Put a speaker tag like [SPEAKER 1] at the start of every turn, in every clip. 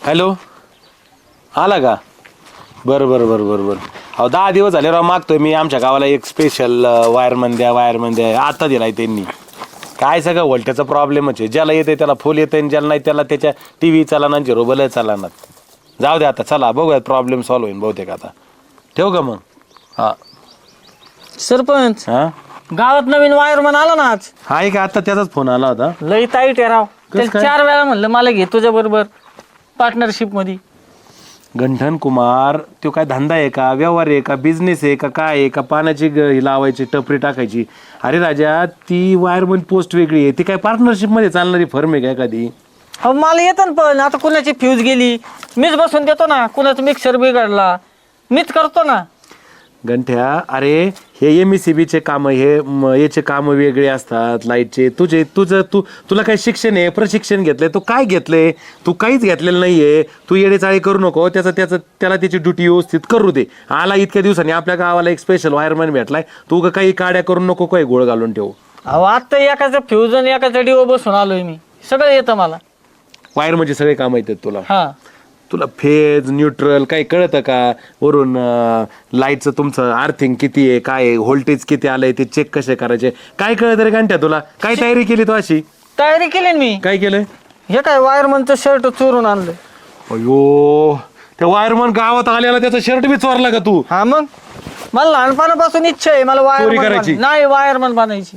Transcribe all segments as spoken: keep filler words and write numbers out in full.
[SPEAKER 1] Hello, आला का? बरं बरं बरं बरं बरं. अहो दहा दिवस झाले राव मागतोय मी आमच्या गावाला एक स्पेशल वायरमन द्या वायरमन द्या. आता दिलाय त्यांनी. काय सगळं व्होल्टेजचा प्रॉब्लेमच आहे. ज्याला येते त्याला फुल येते आणि ज्याला नाही त्याला त्याच्या टी व्ही चालणार झिरो बल चालणार. जाऊ दे आता, चला बघूयात प्रॉब्लेम सॉल्व्ह होईल बहुतेक. आता ठेवू का मग? हा
[SPEAKER 2] सरपंच,
[SPEAKER 1] हा
[SPEAKER 2] गावात नवीन वायरमन आला ना आज.
[SPEAKER 1] आहे का? आता त्याचाच फोन आला होता.
[SPEAKER 2] लई ताईट आहे राव.
[SPEAKER 1] कसं काय?
[SPEAKER 2] चार वेळा म्हणलं मला घे तुझ्या बरोबर पार्टनरशिप मध्ये.
[SPEAKER 1] गंठन कुमार, तो काय धंदा आहे का, व्यवहार आहे का, बिझनेस आहे का, काय आहे का, पाण्याची ग- ही लावायची टपरी टाकायची? अरे राजा, ती वायरमन पोस्ट वेगळी आहे. ती काय पार्टनरशिप मध्ये चालणारी फर्म आहे का एखादी?
[SPEAKER 2] अहो मला येतं ना, पण आता कुणाची फ्यूज गेली मीच बसून देतो ना, कुणाचा मिक्सर बिघडला मीच करतो ना.
[SPEAKER 1] गंठ्या, अरे हे एम एस सी बीचे काम, हे म- याचे काम वेगळे असतात. लाईटचे तुझे तुझं तू तुला काय शिक्षण आहे, प्रशिक्षण घेतलंय? तू काय घेतलंय? तू काहीच घेतलेलं नाहीये. तू येडेचाळी करू नको. त्याचं त्याचं त्याला त्याची ड्युटी व्यवस्थित करू दे. आला इतक्या दिवसांनी आपल्या गावाला एक स्पेशल वायरमॅन भेटलाय. तू उगा काही काड्या करू नको, काही गोळ घालून ठेवू.
[SPEAKER 2] अहो आता एकाचा फ्यूज आणि एकाचा डिओ बसून आलोय मी. सगळं येतं मला.
[SPEAKER 1] वायर म्हणजे सगळे काम येतात तुला.
[SPEAKER 2] हा
[SPEAKER 1] तुला फेज न्यूट्रल काही कळतं का? वरून लाईटचं तुमचं आर्थिंग किती आहे, काय आहे, व्होल्टेज किती आलंय ते चेक कसे करायचे, काय कळतं रे घंट्या तुला? काय तयारी केली तू अशी?
[SPEAKER 2] तयारी केली ना मी.
[SPEAKER 1] काय केलंय?
[SPEAKER 2] हे काय वायरमनचं शर्ट चोरून आणलं.
[SPEAKER 1] अयो, त्या वायरमन गावात आलेला त्याचा शर्ट बी चोरला का तू?
[SPEAKER 2] हा मग मला लहानपणापासून इच्छा आहे मला
[SPEAKER 1] चोरी
[SPEAKER 2] वायरमन
[SPEAKER 1] करायची?
[SPEAKER 2] बन- नाही वायरमन बनायची.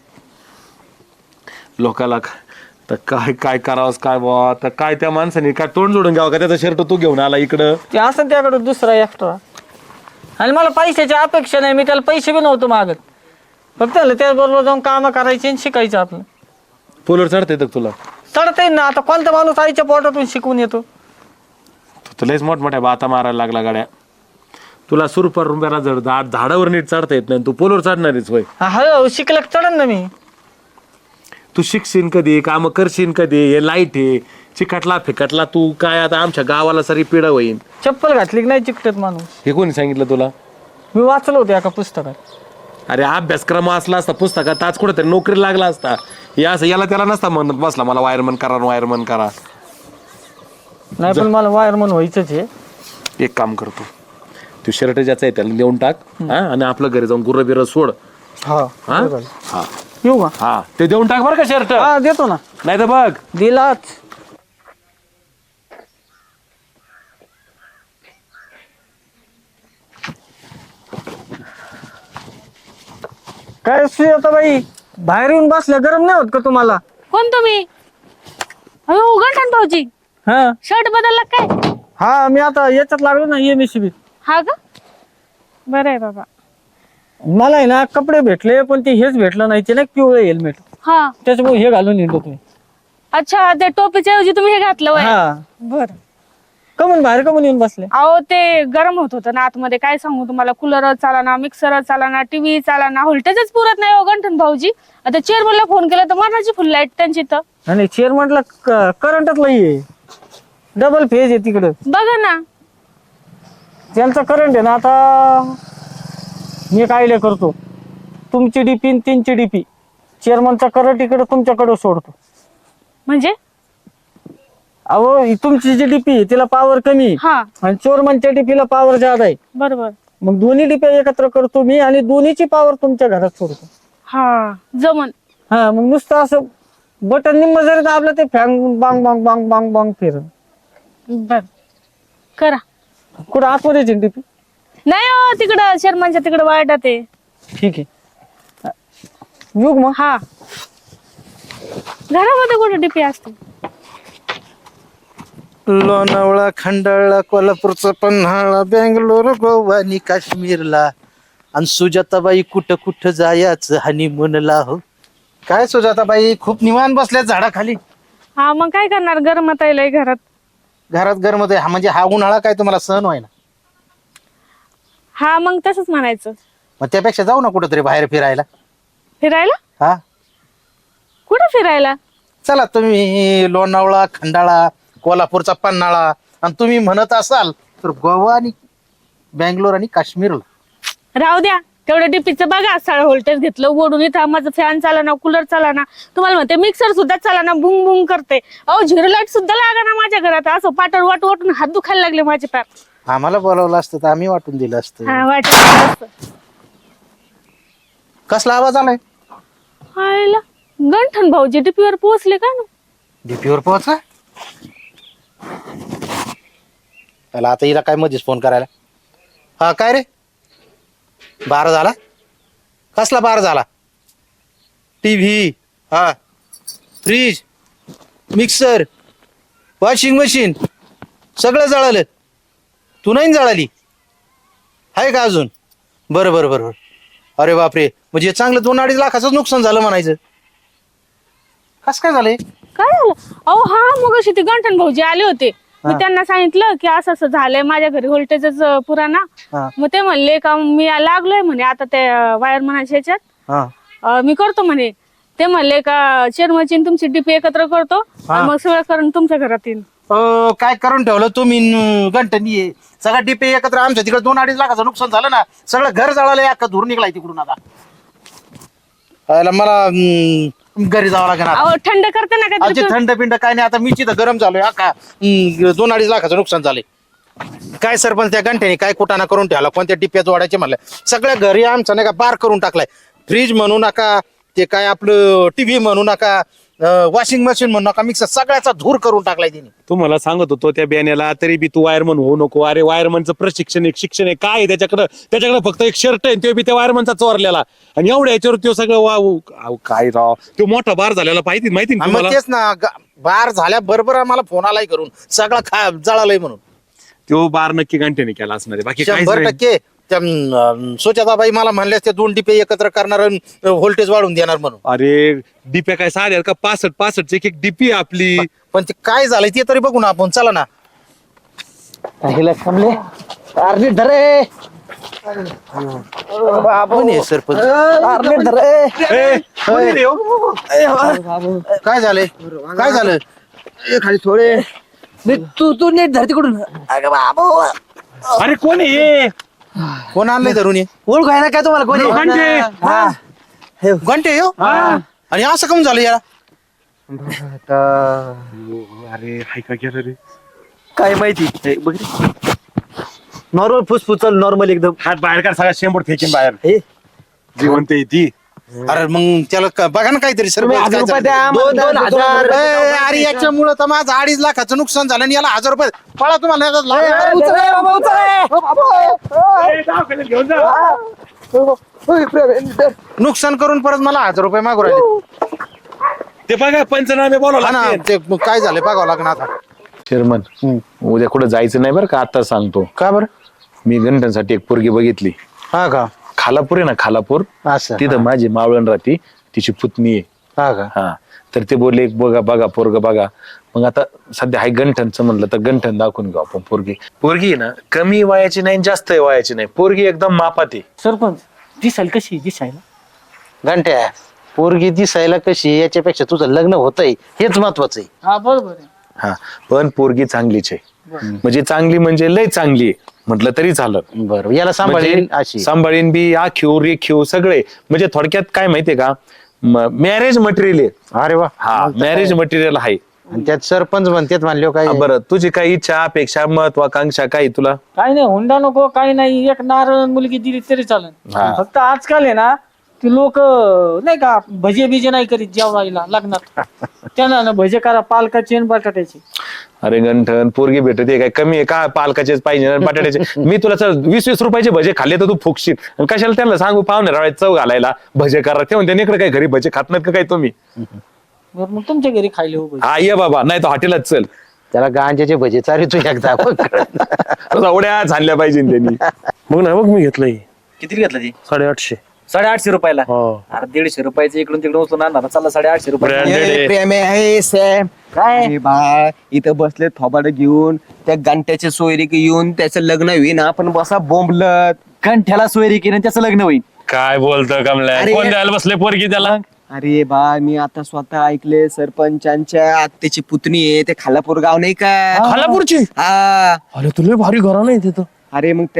[SPEAKER 1] लोकाला तर काय काय करावंस काय बा? तर काय त्या माणसाने काय तोंड जोडून घ्यावं का? त्याचा शर्ट तू घेऊन आला इकडं.
[SPEAKER 2] ते असं त्याकडे दुसरा एक्स्ट्रा. आणि मला पैशाची अपेक्षा नाही, मी त्याला पैसे बी नव्हतो मागत. फक्त त्याचबरोबर जाऊन कामं करायची आणि शिकायचं आपलं.
[SPEAKER 1] पोलवर चढता येतं का तुला?
[SPEAKER 2] चढता येईल ना. आता कोणता माणूस आईच्या पोटातून शिकून येतो?
[SPEAKER 1] तू तुलाच मोठमोठ्या बाता मारायला लागला गाड्या. तुला सुरपर रुंब्याला जड झाड झाडावर नीट चढता येत नाही, तू पोलवर चढणारीच होय.
[SPEAKER 2] हा हळूहळू शिकलं की चढन ना मी.
[SPEAKER 1] तू शिकशील कधी, काम करशील कधी? हे लाईट आहे, चिकटला फिकटला तू काय आता आमच्या गावाला सारी पिढा होईल.
[SPEAKER 2] चप्पल घातली की नाही चिकटत माणूस.
[SPEAKER 1] हे कोणी सांगितलं तुला?
[SPEAKER 2] मी वाचलं होतं एका पुस्तकात.
[SPEAKER 1] अरे अभ्यासक्रम असला असता पुस्तकात आज कुठेतरी नोकरी लागला असता. या असं याला त्याला नसता म्हणत बसला मला वायरमन करा वायरमन करा.
[SPEAKER 2] नाही पण मला वायरमन व्हायचंच आहे.
[SPEAKER 1] एक काम करतो, तू शर्ट ज्याचा आहे त्याला देऊन टाक हा, आणि आपलं घरी जाऊन गुर्र बिर सोड.
[SPEAKER 2] हा
[SPEAKER 1] हा हा
[SPEAKER 2] येऊ का?
[SPEAKER 1] हा ते देऊन टाक बरं का शर्ट.
[SPEAKER 2] हा देतो ना.
[SPEAKER 1] नाही तर बघ
[SPEAKER 2] दिलाच. काय सुजाता बाई, बाहेर येऊन बसल्या गरम नाही होत का तुम्हाला?
[SPEAKER 3] कोण तुम्ही? अहो गंठन भाऊजी,
[SPEAKER 2] हा
[SPEAKER 3] शर्ट बदलला काय?
[SPEAKER 2] हा मी आता याच्यात लागलो ना एमएससीबी.
[SPEAKER 3] हा का? बरं आहे बाबा.
[SPEAKER 2] मला आहे ना कपडे भेटले पण ते हेच भेटलं नाही, ते ना पिवळे हेल्मेट.
[SPEAKER 3] हा
[SPEAKER 2] त्याच्यामुळे हे घालून येतो तुम्ही.
[SPEAKER 3] अच्छा, त्या टोपीच्या ऐवजी तुम्ही हे घातलं वय.
[SPEAKER 2] हा
[SPEAKER 3] बर.
[SPEAKER 2] कमून बाहेर कमून येऊन बसले?
[SPEAKER 3] अहो ते गरम होत होतं ना आतमध्ये, काय सांगू तुम्हाला. कूलर चालाना, मिक्सर चालाना, टीव्ही चालाना, व्होल्टेजच पुरत नाही हो गंठन भाऊजी. आता चेअरमनला फोन केला तर मरणाची फुल लाईट त्यांची. तर
[SPEAKER 2] आणि चेअरमनला करंटच नाहीये, डबल फेज आहे तिकडं.
[SPEAKER 3] बघा ना.
[SPEAKER 2] त्यांचा करंट आहे ना. आता मी काय आयडिया करतो, तुमची डीपी आणि तीनची डीपी चेअरमनचा करंट इकडे तुमच्याकडे सोडतो.
[SPEAKER 3] म्हणजे
[SPEAKER 2] अहो ही तुमची जी डीपी आहे तिला पॉवर कमी आहे,
[SPEAKER 3] हा
[SPEAKER 2] आणि चेअरमनच्या डीपीला पॉवर जादा आहे.
[SPEAKER 3] बरोबर.
[SPEAKER 2] मग दोन्ही डीपी एकत्र करतो मी आणि दोन्हीची पॉवर तुमच्या घरात सोडतो.
[SPEAKER 3] हा जमन.
[SPEAKER 2] हा मग नुसतं असं बटन निम्म जरी दाबलं ते फॅन बांग बांग बांग बांग बांग फिरन.
[SPEAKER 3] बर करा.
[SPEAKER 2] कुठं आतमध्ये डीपी?
[SPEAKER 3] नाही हो तिकडं शर्मांच्या तिकडं वाईटात आहे.
[SPEAKER 2] ठीक आहे युग मग.
[SPEAKER 3] हा घरामध्ये कुठे डीपी असते?
[SPEAKER 4] लोणावळा, खंडाळा, कोल्हापूरचा पन्हाळा, बेंगलोर, गोवा आणि काश्मीरला, आणि सुजाताबाई कुठं कुठं जायचं हनीमूनला. हो काय सुजाताबाई, खूप निवांत बसल्या झाडाखाली.
[SPEAKER 3] हा मग काय करणार, गरमत आहे लय घरात.
[SPEAKER 4] घरात गरम हा म्हणजे हा उन्हाळा काय तुम्हाला सहन व्हाय ना?
[SPEAKER 3] हा मग तसंच म्हणायचं.
[SPEAKER 4] मग त्यापेक्षा जाऊ ना कुठंतरी बाहेर फिरायला.
[SPEAKER 3] फिरायला?
[SPEAKER 4] हा
[SPEAKER 3] कुठं फिरायला?
[SPEAKER 4] चला तुम्ही लोणावळा, खंडाळा, कोल्हापूरचा पन्हाळा, आणि तुम्ही म्हणत असाल तर गोवा आणि बेंगलोर आणि काश्मीरला.
[SPEAKER 3] राहू द्या, तेवढं डीपीचं बघा साडे व्होल्टेज घेतलं ओढून इथं माझं फॅन चाला ना कूलर चाला ना तुम्हाला म्हणते मिक्सर सुद्धा चाला ना बुंग बुंग करते अहो झिरो लाईट सुद्धा लागा ना माझ्या घरात असं पाटर वाट वाटून हात दुखायला लागले माझे पाय
[SPEAKER 4] आम्हाला बोलावलं असतं तर आम्ही वाटून दिलं असतं.
[SPEAKER 3] हा वाटत
[SPEAKER 4] कसला आवाज आलाय?
[SPEAKER 3] हायला गंठन भाऊजी डीपीवर पोहोचले का ना
[SPEAKER 4] डीपीवर पोहोचा. त्याला आता हिला काय मध्येच फोन करायला. हा काय रे बारा झाला? कसला बारा झाला? टीव्ही, हा फ्रीज, मिक्सर, वॉशिंग मशीन सगळं जळालं. तू नाही जळाली आहे का अजून? बरं बरं बरं बरं. अरे बापरे, म्हणजे चांगलं दोन अडीच लाखाचं नुकसान झालं म्हणायचं. कस काय झालंय?
[SPEAKER 3] काय झालं अहो हा मग अशी ते गंठन भाऊजी आले होते मी त्यांना सांगितलं की असं असं झालंय माझ्या घरी व्होल्टेजच पुरा ना
[SPEAKER 4] हा.
[SPEAKER 3] मग ते म्हणले का मी लागलोय म्हणे आता ते वायर म्हणायच्या ह्याच्यात
[SPEAKER 4] हा
[SPEAKER 3] अं, मी करतो म्हणे ते म्हणले का चेअरमनची तुमची डीपी एकत्र करतो आणि मग सगळं करून तुमच्या घरात येईल.
[SPEAKER 4] अं, काय करून ठेवलं तुम्ही न- गंठनी आहे सगळा डीपे एकत्र. आमच्या तिकडे दोन अडीच लाखाचं नुकसान झालं ना. सगळं घर जळालं अख्खा धूर निघलाय तिकडून. आता याला मला अं, घरी जावं लागेल आता.
[SPEAKER 3] अहो थंड करते ना
[SPEAKER 4] अजून
[SPEAKER 3] काहीतरी
[SPEAKER 4] थंड पिंड काय नाही. आता मी तिथं गरम झालोय अख्खा. अं, दोन अडीच लाखाचं नुकसान झालंय. काय सरपंच त्या गंठ्याने काय कुटाणा करून ठेवला. कोणत्या टिप्यात वाढायचे म्हणलं. सगळ्या घरी आमचा नाही का बार करून टाकलाय. फ्रीज म्हणू नका ते काय आपलं टीव्ही म्हणू नका वॉशिंग मशीन म्हणू नका मिक्सर सगळ्याचा धूर करून टाकलाय तिने.
[SPEAKER 1] तुम्हाला सांगत होतो त्या बॅनेला तरी बी तू वायरमन होऊ नको. अरे वायरमनचं प्रशिक्षण एक शिक्षण आहे काय आहे त्याच्याकडं. त्याच्याकडे फक्त एक शर्ट आहे तो बी त्या वायरमनचा चोरलेला आणि एवढ्या याच्यावर तो सगळं वाव अहो, काय राव तो मोठा बार झालेला पाहिजे माहिती ना
[SPEAKER 4] आणि मग
[SPEAKER 1] तुम्हाला.
[SPEAKER 4] तेच ना ग- बार झाल्या बरोबर मला फोन आलाय करून सगळं खा जळालंय म्हणून.
[SPEAKER 1] तो बार नक्की घंटेने केला असणार आहे. बाकी काहीच
[SPEAKER 4] शंभर
[SPEAKER 1] नाही.
[SPEAKER 4] टक्के त्या अं, सुजाताबाई मला म्हणल्यास ते दोन टिपे एकत्र करणार व्होल्टेज वाढून देणार म्हणून.
[SPEAKER 1] अरे डीप्या काय साध्या का पासष्ट पासष्ट एक एक डीपी आपली.
[SPEAKER 4] पण ते काय झालंय ते तरी बघू ना आपण. चला ना. कोण आहे सरपंच?
[SPEAKER 1] ए, कोणी रे हो?
[SPEAKER 4] काय झालंय काय झालं?
[SPEAKER 5] खाली थोडे तू तू नीट धर तिकडून. अगं बाबू
[SPEAKER 1] अरे कोण आहे
[SPEAKER 4] कोण आणलंय धरून हे?
[SPEAKER 5] ओळख आहे ना काय तुम्हाला कोणी?
[SPEAKER 1] घंटे.
[SPEAKER 5] हा. हे
[SPEAKER 4] घंटे हो आणि असं कम झालं याला?
[SPEAKER 1] अरे हाय का गेलं रे.
[SPEAKER 5] काय माहिती हे बघ नॉर्मल फुसफुस चालू नॉर्मल एकदम.
[SPEAKER 1] हात बाहेर काढ सगळा शेंबूड फेकीन बाहेर.
[SPEAKER 5] हे
[SPEAKER 1] जिवंत आहे ती.
[SPEAKER 4] अरे मग त्याला क- बघा ना काहीतरी
[SPEAKER 5] तुम्ही
[SPEAKER 4] सरपंच
[SPEAKER 5] हजार
[SPEAKER 4] काय
[SPEAKER 5] रुपये
[SPEAKER 4] झालं?
[SPEAKER 5] द्या
[SPEAKER 4] दोन-
[SPEAKER 5] दोन
[SPEAKER 4] दोन
[SPEAKER 5] हजार.
[SPEAKER 4] ए, अरे याच्यामुळं तर माझं अडीच लाखाचं नुकसान झालं आणि याला हजार रुपये पळा तुम्हाला याचा लाभ आहे.
[SPEAKER 5] उचल रे बाबा, उचल रे.
[SPEAKER 1] ए, दवाखान्यात घेऊन जा.
[SPEAKER 4] नुकसान करून परत मला हजार रुपये मागू राहिले.
[SPEAKER 1] ते बघा पंचनामे बोलावं
[SPEAKER 4] हा ना,
[SPEAKER 1] लागतील.
[SPEAKER 4] ते मग काय झालं बघावं लागणार आता.
[SPEAKER 1] चेअरमन उद्या कुठं जायचं नाही बरं का आता सांगतो.
[SPEAKER 4] का बरं?
[SPEAKER 1] मी घंटांसाठी एक पोरगी बघितली.
[SPEAKER 4] हा का?
[SPEAKER 1] खालापूर आहे ना खालापूर
[SPEAKER 4] असं
[SPEAKER 1] तिथं माझी मावळण राहती तिची पुतणी आहे.
[SPEAKER 4] हा का?
[SPEAKER 1] हा तर ते बोलले एक बघा बघा पोरग बघा. मग आता सध्या हाय गंठनचं म्हणलं तर गंठन दाखवून घेऊ आपण पोरगी. पोरगी आहे ना कमी वयाची नाही जास्त वयाची नाही पोरगी एकदम मापात आहे.
[SPEAKER 2] सरपंच दिसाल कशी दिसायला
[SPEAKER 4] घंट्या पोरगी दिसायला कशी याच्यापेक्षा तुझं लग्न होतंय हेच महत्वाचं आहे.
[SPEAKER 2] हा बरोबर आहे.
[SPEAKER 1] हा पण पोरगी चांगलीच आहे. म्हणजे चांगली म्हणजे लय चांगली आहे म्हटलं तरी झालं.
[SPEAKER 4] बरं याला सांभाळीन
[SPEAKER 1] म्हणजे
[SPEAKER 4] अशी.
[SPEAKER 1] सांभाळीन बी आखीव रेखीव सगळे म्हणजे थोडक्यात काय माहितीये का मॅरेज मटेरियल आहे.
[SPEAKER 4] अरे वा.
[SPEAKER 1] हा मॅरेज मटेरियल आहे.
[SPEAKER 4] आणि त्यात सरपंच म्हणतात म्हणले काय
[SPEAKER 1] हा, बरं तुझी काही इच्छा अपेक्षा महत्वाकांक्षा काही तुला?
[SPEAKER 2] काही नाही हुंडा नको काही नाही एक नारळ मुलगी दिली तरी चालेल.
[SPEAKER 1] हा.
[SPEAKER 2] फक्त आजकाल आहे ना ती लोक नाही का भजे बिजे नाही करीत जेवायला लग्नात. त्यांना ना भजे करा पालकाची आणि बटाट्याची.
[SPEAKER 1] अरे गंठन पोरगी भेटते काय कमी आहे का पालकाचेच पाहिजे आणि बटाट्याचे. मी तुला चल वीस वीस रुपयाचे भजे खाल्ले तर तू फुकशील आणि कशाला त्यांना सांगू पाहुणे रावळे चव घालायला भजे करा ते म्हणते इकडे काही घरी भजे खात नाहीत का काय तुम्ही?
[SPEAKER 2] बरं मग तुमच्या घरी खायले हो भजे.
[SPEAKER 1] हा ये बाबा नाही तर हॉटेलात चल.
[SPEAKER 4] त्याला गांजाचे भजे चारी तू एकदा
[SPEAKER 1] एवढ्या झाल्या पाहिजे त्यांनी.
[SPEAKER 6] मग ना मग मी घेतलंय
[SPEAKER 5] किती घेतलं ती?
[SPEAKER 6] साडेआठशे.
[SPEAKER 5] साडेआठशे रुपयाला.
[SPEAKER 6] हो.
[SPEAKER 5] अरे दीडशे रुपयाचं इकडून तिकडून उचलून आणणार चला साडेआठशे रुपये.
[SPEAKER 1] Branded आहे.
[SPEAKER 7] प्रेम आहे सॅम
[SPEAKER 5] काय?
[SPEAKER 7] अरे बा इथं बसले थोबाड घेऊन त्या गंट्याच्या सोयरी येऊन त्याचं लग्न होईन आपण बसा बोंबलत.
[SPEAKER 5] कंठ्याला सोयरी केली आणि त्याचं लग्न होईल.
[SPEAKER 1] काय बोलतो कमल्या
[SPEAKER 7] अरे-
[SPEAKER 1] कोण द्यायला बसले पोरगी त्याला?
[SPEAKER 7] अरे बा मी आता स्वतः ऐकले सरपंचांच्या आत्याची पुतणी आहे ते खालापूर गाव नाही का?
[SPEAKER 6] खालापूरची
[SPEAKER 7] हा
[SPEAKER 6] अरे तुला भारी घरा नाही तिथं.
[SPEAKER 7] अरे मग त्यांची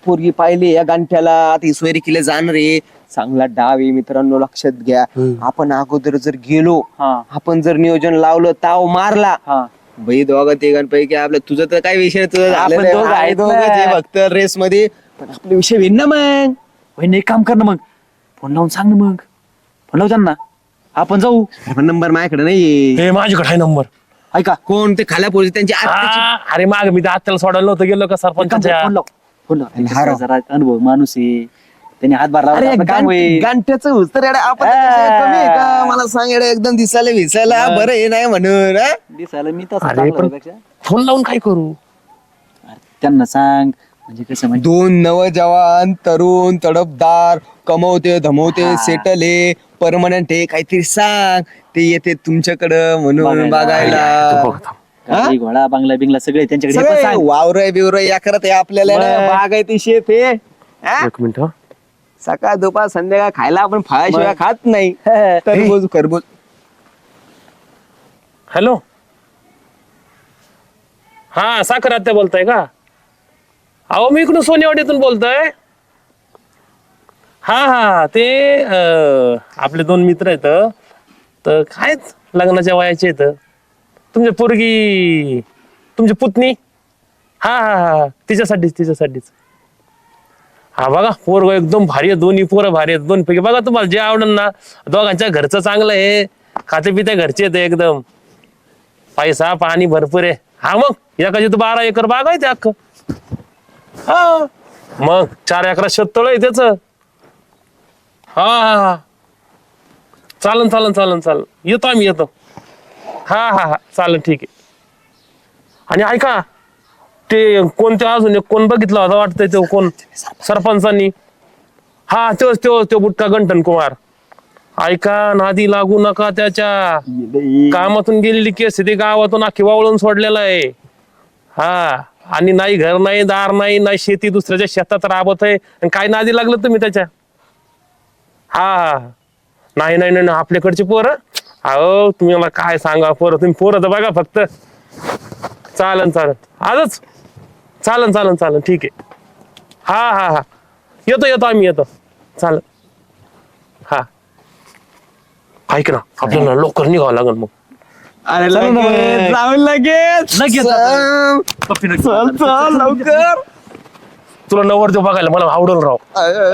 [SPEAKER 7] पोरगी पाहिली या गांठ्याला, आता ही सोयरी केले जाणार आहे. चांगला डाव आहे मित्रांनो, लक्षात घ्या. आपण अगोदर जर गेलो, आपण जर नियोजन लावलं, ताव मारला, बाई दोघं तिघांपैकी आपलं, तुझं तर काय विषय नाही, तुझं झालेलं आहे.
[SPEAKER 5] दोघं आहेत
[SPEAKER 7] दोघंच
[SPEAKER 5] ना.
[SPEAKER 7] आहे फक्त रेस मध्ये, पण आपले विषय भिन्न ना मग.
[SPEAKER 5] वहिनी एक काम कर ना मग, फोन लावून सांग ना मग, फोन लाव त्यांना, आपण जाऊ.
[SPEAKER 7] पण नंबर माझ्याकडे नाही.
[SPEAKER 1] हे माझ्याकडे आहे नंबर.
[SPEAKER 5] ऐका
[SPEAKER 7] कोण ते खाल्या पोरी त्यांची आत्याची-
[SPEAKER 1] आ, अरे माग मी तर आत्याला सोडायला नव्हतं गेलो का सरपंचाच्या.
[SPEAKER 5] फोन लाव फोन लाव
[SPEAKER 7] आणि हा राव.
[SPEAKER 5] जरा अनुभव माणूस आहे, त्यांनी हातभार लावला
[SPEAKER 7] अरे
[SPEAKER 5] आपलं काम होईल.
[SPEAKER 7] गांठ्याचं हुस्तर येडा, आपण त्याच्याशिवाय कमी आहे का? मला सांग येडा, एकदम दिसायला विसायला बरं हे नाही म्हणून हा?
[SPEAKER 5] दिसायला मी तसं
[SPEAKER 1] अरे
[SPEAKER 5] चांगलं
[SPEAKER 1] पण
[SPEAKER 5] पेक्षा.
[SPEAKER 1] फोन लावून काय करू?
[SPEAKER 5] अरे त्यांना सांग, म्हणजे कसं म्हणजे
[SPEAKER 7] दोन नवजवान तरुण तडफदार, कमवते धमवते, सेटल आहे, परमनंट आहे, काहीतरी सांग. ते येते तुमच्याकडं म्हणून
[SPEAKER 5] बघायला.
[SPEAKER 1] तू
[SPEAKER 7] बघायला.
[SPEAKER 1] बघ थांब.
[SPEAKER 5] गाडी, घोडा बंगला बिंगला सगळे त्यांच्याकडे हे पण
[SPEAKER 7] सगळे
[SPEAKER 5] सांग.
[SPEAKER 7] वावर बिवर या करत आहे आपल्याला
[SPEAKER 5] बरं.
[SPEAKER 7] येडा, बागायती शेत आहे हा?
[SPEAKER 1] एक मिनिट हं.
[SPEAKER 7] सकाळ दुपार संध्याकाळ खायला आपण फळाशिवाय खात नाही. तरबूज खरबूज.
[SPEAKER 1] हॅलो, हा साखर आत्या बोलताय का? अहो मी इकडून सोनेवाडीतून बोलतोय. हा हा ते अं, आपले दोन मित्र आहेत, तर काय लग्नाच्या वयाचे आहेत. तुमची पोरगी, तुमची पुतणी, हा हा हा तिच्यासाठीच तिच्यासाठीच. हा बघा पोरग एकदम भारी आहे, दोन्ही पोरं भारी आहेत, दोन पैकी बघा तुम्हाला जे आवडेल ना. दोघांच्या घरचं चांगलं आहे, खाते पिते घरचे आहेत एकदम, पैसा पाणी भरपूर आहे. हा मग एकाची तर बारा एकर बाग आहे ते अख्खं. हा मग चार एकरा शेततळ आहे त्याच. हा हा हा चालन चालन चालन चालन येतो आम्ही येतो. हा हा हा चालेल ठीक आहे. आणि ऐका ते कोणत्या अजून एक कोण बघितला होता वाटतंय तो कोण सरपंचांनी. हा तोच तो तो बुटका गंठन कुमार. ऐका नादी लागू नका त्याच्या. कामातून गेलेली केस ती गावातून अख्खी वावळून सोडलेला आहे. हा आणि नाही घर नाही दार नाही नाही शेती, दुसऱ्याच्या शेतात राबत आहे. आणि काय नादी लागलं तुम्ही त्याच्या. हा हा नाही नाही नाही आपल्याकडची पोरं, अहो तुम्ही मला काय सांगा पोरं, तुम्ही पोरं तर बघा फक्त. चालन चालन आजच चालन चालन चालन ठीक आहे. हा हा हा येतो येतो आम्ही येतो चालन. हा ऐक ना आपल्याला लवकर निघावं लागेल मग.
[SPEAKER 7] अरे लगेच जाऊन लगेच
[SPEAKER 5] लगेच
[SPEAKER 7] चल, चल, चल, लवकर.
[SPEAKER 1] तुला नवरदेव बघायला मला आवडल राव.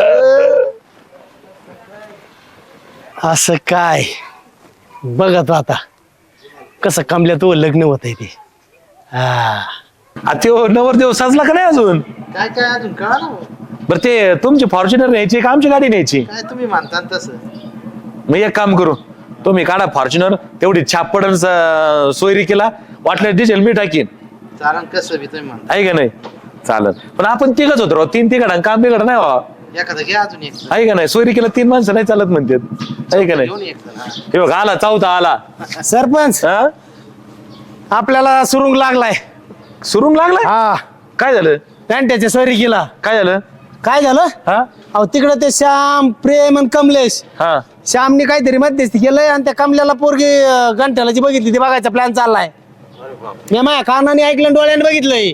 [SPEAKER 6] असं काय बघत आता कसं कमल्या तो लग्न होत आहे ते. हा
[SPEAKER 1] आ, त्यो नवरदेव सजला का नाही अजून?
[SPEAKER 4] काय काय अजून कळा
[SPEAKER 1] बरं ते तुमची फॉर्च्युनर न्यायची का आमची गाडी न्यायची?
[SPEAKER 4] काय तुम्ही म्हणता तसं.
[SPEAKER 1] मग एक काम करू, तुम्ही काढा फॉर्च्युनर, तेवढी छाप पडन सोयरी केला, वाटलं डिझेल मी टाकीन.
[SPEAKER 4] कारण कसं बी तुम्ही म्हणता.
[SPEAKER 1] आहे का नाही? चालत पण आपण तिघच होतो राव, तीन तिघड काम बिघड नाही व्हा.
[SPEAKER 4] एखादं घ्या अजून एक.
[SPEAKER 1] आहे का नाही? सोयरी केला तीन माणसं नाही चालत म्हणतात. आहे का नाही?
[SPEAKER 4] घेऊन एक जण, हा.
[SPEAKER 1] हे बघ आला चौथा आला.
[SPEAKER 6] सरपंच
[SPEAKER 1] हा
[SPEAKER 6] आपल्याला सुरुंग लागलाय.
[SPEAKER 1] सुरुंग लागलाय?
[SPEAKER 6] हा
[SPEAKER 1] काय झालं?
[SPEAKER 6] पॅन्ट्याच्या सोयरी केला.
[SPEAKER 1] काय झालं?
[SPEAKER 6] काय झालं?
[SPEAKER 1] हा
[SPEAKER 6] अहो तिकडे ते श्याम प्रेम आणि कमलेश,
[SPEAKER 1] हा
[SPEAKER 6] श्यामने काहीतरी मध्यस्थी केलंय आणि त्या कमल्याला पोरगी अं, गंठ्याला जी बघितली ती बघायचा प्लॅन चाललाय. मी माझ्या कानाने ऐकलं, डोळ्याने बघितलंय.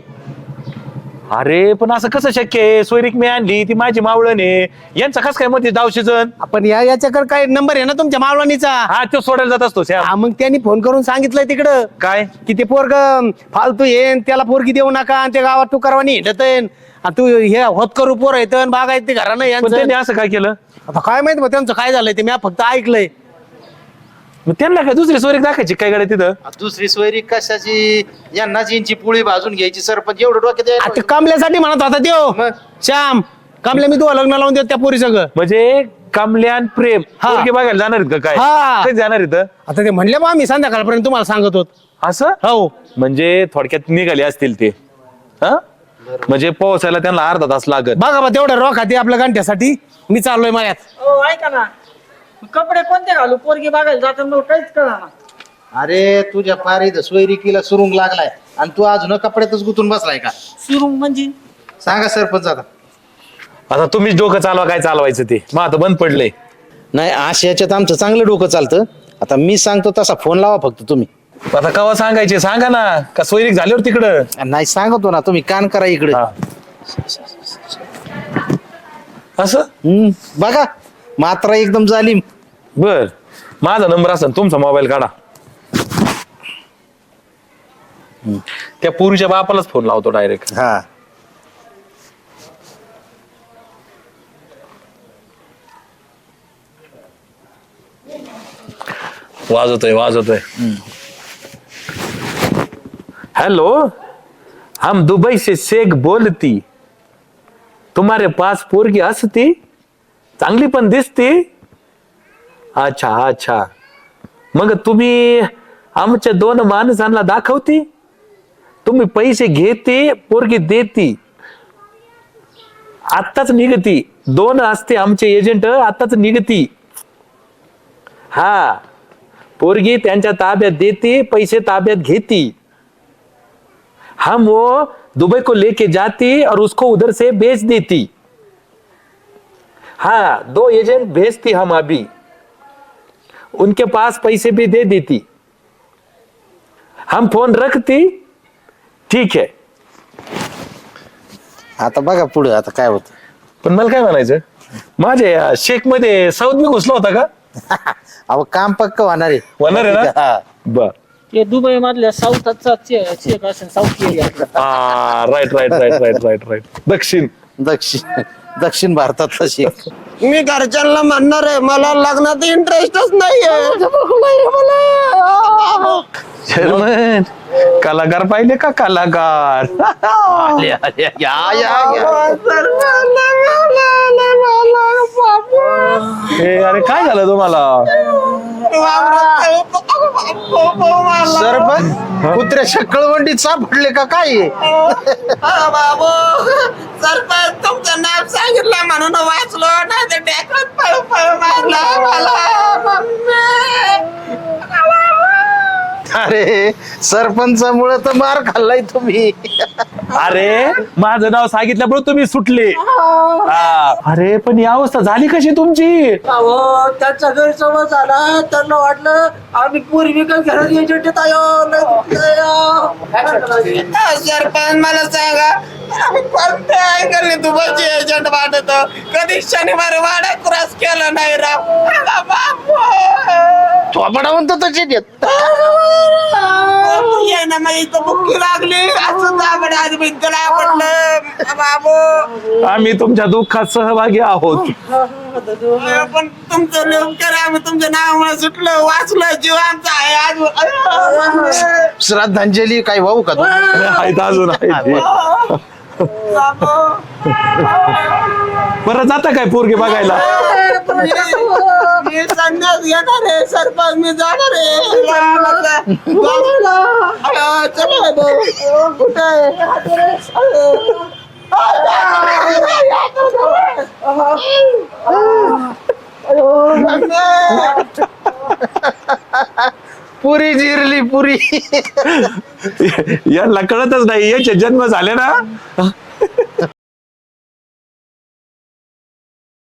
[SPEAKER 1] अरे पण असं कसं शक्य आहे? सोयरीक मी आणली, ती माझी मावळण आहे, यांचा कस काय मध्ये दाव शिजन?
[SPEAKER 6] आपण या याच्याकडे काय नंबर आहे ना तुमच्या मावळणीचा?
[SPEAKER 1] हा तो सोडायला जात असतो श्याम.
[SPEAKER 6] हा मग त्यांनी फोन करून सांगितलंय तिकडं
[SPEAKER 1] काय
[SPEAKER 6] की ते पोरग फालतू येन, त्याला पोरगी देऊ नका आणि ते गावात तू करवानी हिंडत तू हे होत करू पोर येत बाग आहेत ते घरानं
[SPEAKER 1] पण
[SPEAKER 6] यांचं.
[SPEAKER 1] त्यांनी असं काय केलं?
[SPEAKER 6] आता काय माहित मग त्यांचं काय झालंय ते मी फक्त ऐकलंय.
[SPEAKER 1] मग त्यांना काय दुसरी सोयरीक दाखायची काय गाडी तिथं?
[SPEAKER 4] दुसरी सोयरी कशाची? यांना जींची पोळी भाजून घ्यायची सरपंच, एवढं डोक्यात यायला
[SPEAKER 6] आता कमल्यासाठी म्हणत होता त्यो
[SPEAKER 4] मग?
[SPEAKER 6] श्याम, कमल्या मी तुला लग्न लावून देत त्या पोरी सगळं.
[SPEAKER 1] म्हणजे कमल्यान प्रेम
[SPEAKER 6] हा.
[SPEAKER 1] पोरगी बघायला जाणार आहेत का काय?
[SPEAKER 6] हा.
[SPEAKER 1] कधी जाणार इथं
[SPEAKER 6] आता ते म्हणले बा आम्ही संध्याकाळपर्यंत तुम्हाला सांगत होत.
[SPEAKER 1] असं?
[SPEAKER 6] हो
[SPEAKER 1] म्हणजे थोडक्यात निघाले असतील ते. हा म्हणजे पोहोचायला त्यांना अर्धा तास लागत.
[SPEAKER 6] बघा बा तेवढं रोख आहे आपल्या गंठ्यासाठी. मी चाललोय मायात.
[SPEAKER 2] हो ऐका ना, कपडे कोणते घालू? पोरगी बघायला जाताना काहीच कळा ना.
[SPEAKER 4] अरे तुझ्या पारीत सोयरिकीला सुरुंग लागलाय आणि तू अजून कपड्यातच गुतून बसलाय का?
[SPEAKER 2] सुरुंग म्हणजे
[SPEAKER 4] सांगा सरपंच आता.
[SPEAKER 1] आता तुम्हीच डोकं चालवा काय चालवायचं ते. मग आता बंद पडलंय.
[SPEAKER 4] नाही अशा याच्यात आमचं चांगलं डोकं चालतं. आता मी सांगतो तसा फोन लावा फक्त तुम्ही.
[SPEAKER 1] आता कवा सांगायचे सांगा ना, का सोयरीक झाल्यावर तिकडं?
[SPEAKER 4] नाही सांगतो ना, तुम्ही कान करा इकडे.
[SPEAKER 1] हा. असं
[SPEAKER 4] हम्म, बघा मात्रा एकदम जालीम.
[SPEAKER 1] बर माझा नंबर असेल तुमचा मोबाईल काढा. त्या पोरीच्या बापालाच फोन लावतो डायरेक्ट.
[SPEAKER 4] हा
[SPEAKER 1] वाजवतोय वाजवतोय. हेलो, हम दुबई से शेख बोलती. तुम्हारे पास पोरगी असती, चांगली पण दिसती. अच्छा अच्छा, मग तुम्ही आमच्या दोन माणसांना दाखवती. तुम्ही पैसे घेते, पोरगी देती. आत्ताच निघती. दोन असते आमचे एजंट, आत्ताच निघती. हा, पोरगी त्यांच्या ताब्यात देती, पैसे ताब्यात घेती. हम वो दुबई को लेके जाती और उसको उधर से बेच देती. हाँ, दो एजेंट भेजती हम अभी. उनके पास पैसे भी दे देती. हम फोन रखती. ठीक आहे.
[SPEAKER 4] आता बघा पुढे आता काय होत.
[SPEAKER 1] पण मला काय म्हणायचं, माझ्या शेक मध्ये साऊथ मी घुसला होता का?
[SPEAKER 4] अहो काम पक्क होणार आहे.
[SPEAKER 1] होणार आहे ना?
[SPEAKER 4] हा.
[SPEAKER 1] बर.
[SPEAKER 2] ते दुबई मधल्या साऊथचा चेक असेल साऊथ एरिया.
[SPEAKER 1] हा, right right right right right right. दक्षिण.
[SPEAKER 4] दक्षिण दक्षिण भारतातला शेख.
[SPEAKER 6] मी घरच्यांना म्हणणार आहे मला लग्नात इंटरेस्टच नाहीये.
[SPEAKER 1] चेअरमन, कलाकार पाहिले का कलाकार? आले, आले, या, या, या. ए, अरे काय झालं तुम्हाला?
[SPEAKER 4] सरपंच कुत्र्याच्या कळवंडीत सापडले का काय?
[SPEAKER 6] बाबू सरपंच तुमचं नाव सांगितलं म्हणून वाचलो नाही तर डेकरात पळ पळ मारला मला.
[SPEAKER 4] अरे सरपंचामुळे तर मार खाल्लाय तुम्ही.
[SPEAKER 1] अरे माझं नाव सांगितल्यामुळे तुम्ही सुटले. हा. अरे पण ही अवस्था झाली कशी तुमची?
[SPEAKER 6] अहो त्यांचा गैरसमज झाला. त्यांना वाटलं आम्ही पूर्वी का घरात एजंट सरपंच मला सांगा आम्ही कोणत्या अँगलने दुबईचे एजंट वाटतो. कधी शनिवार वाडा क्रॉस केला नाही राव.
[SPEAKER 4] थोपडा म्हणतो तशी देत.
[SPEAKER 6] ये ना मग इथं बुक्की लागली असं दाबड आज भिंतला पडलं बाबू.
[SPEAKER 1] आम्ही तुमच्या दुःखात सहभागी आहोत.
[SPEAKER 6] पण तुमचं लवकर आम्ही तुमच्या नावामुळे सुटलं वाचलं जीव आमचा आहे आज.
[SPEAKER 4] श्रद्धांजली काय वाहू का तू?
[SPEAKER 1] आहेत अजून आहेत. परत जाता काय पोरगे बघायला?
[SPEAKER 6] मी संन्यास घेणार आहे सरपंच. मी जाणार आहे चला भाऊ कुठे
[SPEAKER 4] पुरी जिरली पुरी.
[SPEAKER 1] यांना कळतच नाही, याचे जन्म झाले ना